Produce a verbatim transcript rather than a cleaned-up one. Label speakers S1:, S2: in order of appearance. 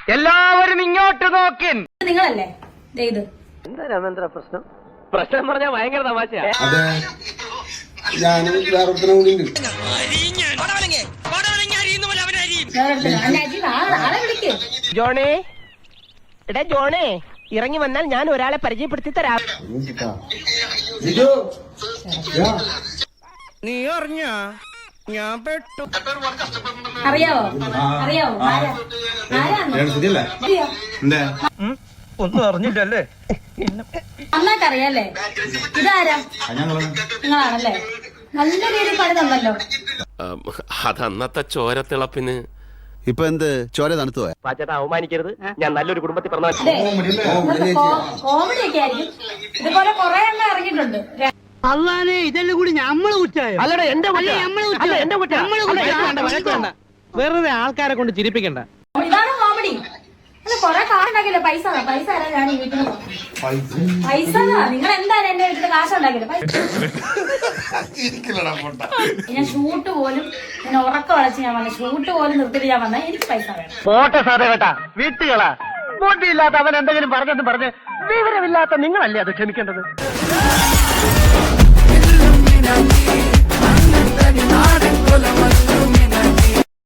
S1: എല്ലാവരും ഇങ്ങോട്ട് നോക്കിൻ.
S2: നിങ്ങളല്ലേ ഇത്
S1: എന്താ രാമേന്ദ്ര പ്രശ്നം? പ്രശ്നം പറഞ്ഞാൽ ഭയങ്കര തമാശയാ.
S3: അതെ, ഞാനും വേറൊരുത്തനും കൂടി ഉണ്ട്.
S2: ആളെ വിളിക്ക്.
S1: ജോണേ, എടാ ജോണേ, ഇറങ്ങി വന്നാൽ ഞാൻ ഒരാളെ പരിചയപ്പെടുത്തി തരാം. നീ അറിഞ്ഞ ഞാൻ പെട്ടു.
S2: അറിയാവോ അറിയാവോ ആരാ ആരാ
S1: ഒന്നും അറിഞ്ഞില്ലല്ലേ?
S2: നന്നായിട്ട് അറിയാല്ലേ? ഇതാരാ? നിങ്ങളാണല്ലേ? നല്ല രീതിയിൽ പണി തന്നല്ലോ.
S4: അതന്നത്തെ ചോരത്തിളപ്പിന്
S5: ഇപ്പൊ എന്ത് ചോര തണുത്തു പോയ?
S1: പാച്ചേട്ടാ, അവമാനിക്കരുത്. ഞാൻ നല്ലൊരു കുടുംബത്തിൽ പറഞ്ഞ
S2: കോമഡി ഒക്കെ ആയിരിക്കും. ഇതുപോലെ കുറെ എണ്ണം ഇറങ്ങിയിട്ടുണ്ട്.
S6: അള്ളാനെ ഇതെല്ലാം കൂടി ഞമ്മള് കുറ്റായോ?
S1: അല്ലടാ, എന്റെ വെറുതെ ആൾക്കാരെ കൊണ്ട് ചിരിപ്പിക്കണ്ട.
S2: ഇതാണ് കോമഡി. അല്ല, കൊറേ കാശുണ്ടാക്കില്ലേ? പൈസ പൈസ തരാം ഞാൻ ഈ വീട്ടിൽ. പൈസ നിങ്ങൾ എന്തായാലും എന്റെ വീട്ടിൽ കാശ് ഉണ്ടാക്കില്ല. ഞാൻ ഷൂട്ട് പോലും ഞാൻ ഉറക്കം വളച്ച് ഞാൻ വന്ന ഷൂട്ട് പോലും നിർത്തിയിട്ട് ഞാൻ വന്ന എനിക്ക് പൈസ വേണം.
S1: പോട്ടെ സാറേ കേട്ടാ, വീട്ടുകളാ. ബുദ്ധിയില്ലാത്ത അവൻ എന്തെങ്കിലും പറഞ്ഞെന്ന് പറഞ്ഞ് വിവരമില്ലാത്ത നിങ്ങളല്ലേ അത് ക്ഷമിക്കേണ്ടത്.